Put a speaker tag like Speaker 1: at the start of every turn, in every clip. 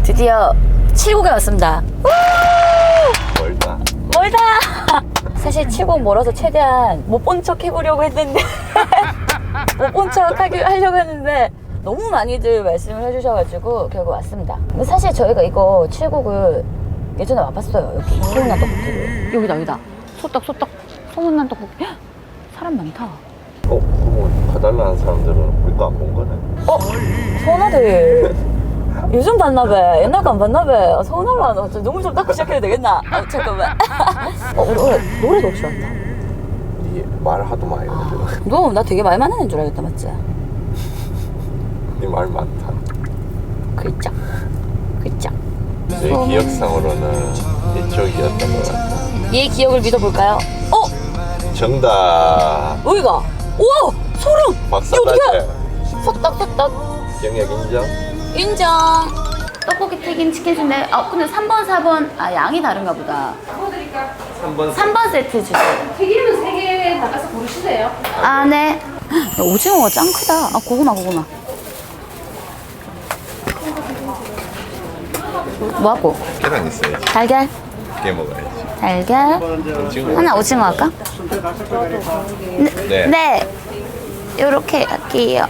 Speaker 1: 드디어 7곡에 왔습니다.
Speaker 2: 멀다.
Speaker 1: 멀다. 사실 7곡 멀어서 최대한 못 본 척 해보려고 했는데 못 본 척 하려고 했는데 너무 많이들 말씀을 해주셔가지고 결국 왔습니다. 근데 사실 저희가 이거 7곡을 예전에 와봤어요. 여기 소문난 떡볶이를. 여기다. 소떡 소문난 떡볶이. 헉, 사람 많다.
Speaker 2: 그럼 봐달라는 사람들은 우리 거 안 본 거네.
Speaker 1: 서운하대. 요즘 봤나봐. 옛날 거 안 봤나봐. 서운하려나. 눈물 좀 닦고 시작해도 되겠나? 잠깐만. 노래도 혹시 왔다.
Speaker 2: 네 말 하도 많이 하는데.
Speaker 1: 너 나 되게 말 많은 애인 줄 알겠다, 맞지?
Speaker 2: 네 말 많다.
Speaker 1: 글쩍.
Speaker 2: 내 기억상으로는 이쪽이었던 것 같다.
Speaker 1: 얘 기억을 믿어볼까요?
Speaker 2: 정답.
Speaker 1: 여기가. 우와! 소름!
Speaker 2: 박사
Speaker 1: 이거 어떡해?
Speaker 2: 따제.
Speaker 1: 소떡.
Speaker 2: 경력 인정?
Speaker 1: 인정. 떡볶이 튀김 치킨 순대. 근데 3번, 4번. 양이 다른가 보다. 3번 세트 주세요.
Speaker 3: 튀김은 3개 나가서 고르시세요.
Speaker 1: 네. 야, 오징어가 짱 크다. 고구마. 뭐 하고?
Speaker 2: 계란 있어야지.
Speaker 1: 달걀.
Speaker 2: 깨 먹어야지.
Speaker 1: 달걀. 하나 오징어 할까?
Speaker 2: 네.
Speaker 1: 네. 요렇게 할게요.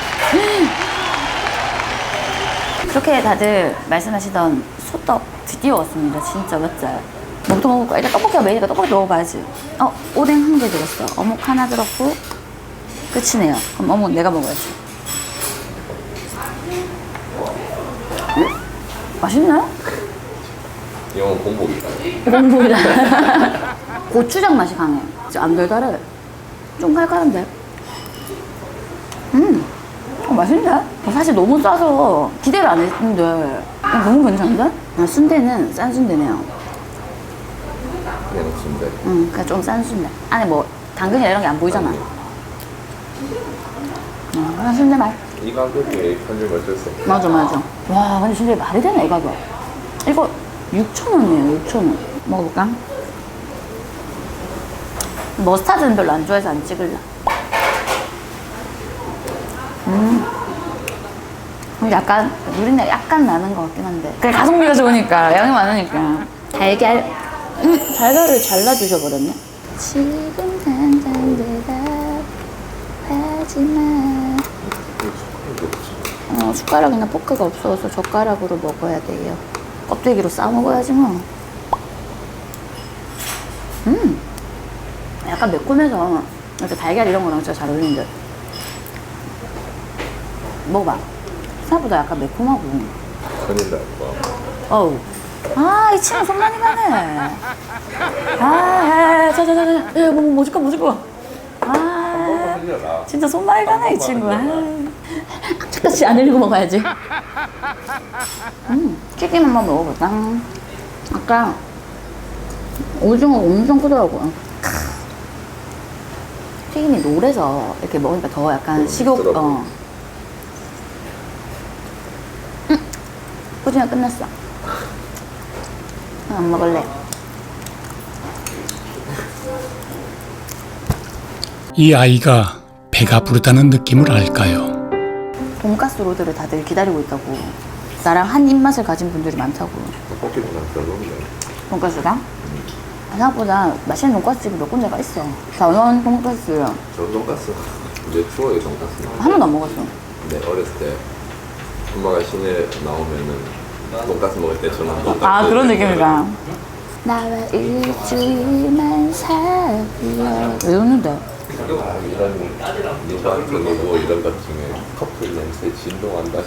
Speaker 1: 그렇게 다들 말씀하시던 소떡 드디어 왔습니다. 진짜 맞지? 뭐부터 먹을까? 일단 떡볶이가 메인이니까 떡볶이 먹어봐야지. 오뎅 한 개 들었어. 어묵 하나 들었고 끝이네요. 그럼 어묵 내가 먹어야지. 맛있나요?
Speaker 2: 이건 공복이다.
Speaker 1: 공복이다. 고추장 맛이 강해. 안 달달해. 좀 칼칼한데. 맛있네. 사실 너무 짜서 기대를 안 했는데 너무 괜찮은데? 순대는 싼 순대네요.
Speaker 2: 그냥 순대.
Speaker 1: 그냥 좀 싼 순대. 안에 뭐 당근이나 이런 게 안 보이잖아. 그냥 순대 맛.
Speaker 2: 이 가격에 편집 어쩔 수 없어.
Speaker 1: 맞아. 와, 근데 진짜 말이 되나 이 가격. 이거 6,000원이에요. 6,000원. 먹어볼까? 머스타드는 별로 안 좋아해서 안 찍을라. 약간 누린내 약간 나는 것 같긴 한데 그래 가성비가 좋으니까 양이 많으니까. 달걀. 달걀을 잘라주셔 버렸네. 지금 당장 대답하지마. 숟가락이나 포크가 없어서 젓가락으로 먹어야 돼요. 껍데기로 싸 먹어야지 뭐. 약간 매콤해서 이렇게 달걀 이런 거랑 진짜 잘 어울리는데. 먹어봐. 생각보다 약간 매콤하고.
Speaker 2: 큰일 날 거.
Speaker 1: 이 친구 손 많이 가네. 자. 뭐 줄까?
Speaker 2: 흘려라.
Speaker 1: 진짜 손 많이 가네, 이 친구. 악착같이 안 흘리고 먹어야지. 튀김 한번 먹어볼까? 아까 오징어가 엄청 크더라고요. 튀김이 노래서 이렇게 먹으니까 더 약간 식욕, 오징어 끝났어. 안 먹을래.
Speaker 4: 이 아이가 배가 부르다는 느낌을 알까요?
Speaker 1: 돈가스 로드를 다들 기다리고 있다고. 나랑 한 입맛을 가진 분들이 많다고.
Speaker 2: 떡볶이보다 별로인데.
Speaker 1: 돈가스가? 생각보다 맛있는 돈가스집이 몇 군데가 있어. 전원 돈가스.
Speaker 2: 전 돈가스. 이제 추억의 돈가스.
Speaker 1: 한 번도 안 먹었어.
Speaker 2: 네, 어렸을 때 엄마가 시내 나오면은 돈가스 먹을 때 저는 돈가스.
Speaker 1: 그런 느낌이다. 나와 일주일만 살려. 왜 웃는데?
Speaker 2: 이런 누구한테 누구 이런 것 중에 커플 냄새 진동한다.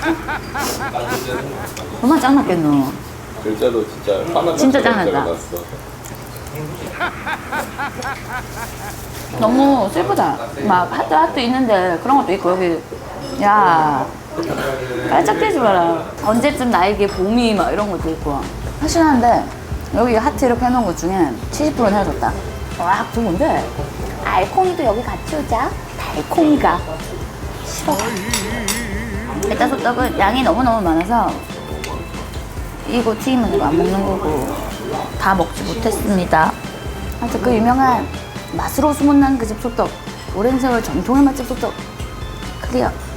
Speaker 1: 얼마나 짱났겠노.
Speaker 2: 글자도 진짜 화나.
Speaker 1: 진짜 짱난다. 너무 슬프다. 막 하트 있는데 그런 것도 있고 여기 야 깔짝대지 마라. 언제쯤 나에게 봄이 막 이런 것도 있고. 확실한데 여기 하트 이렇게 해놓은 것 중에 70%는 헤어졌다. 와 좋은데 알콩이도 여기 같이 오자. 달콩이가 싫어. 일단 소떡은 양이 너무너무 많아서 이거 튀김은 이거 안 먹는 거고 다 먹지 못했습니다. 하여튼 그 유명한 맛으로 소문난 그 집 소떡, 오랜 세월 전통의 맛집 소떡 클리어.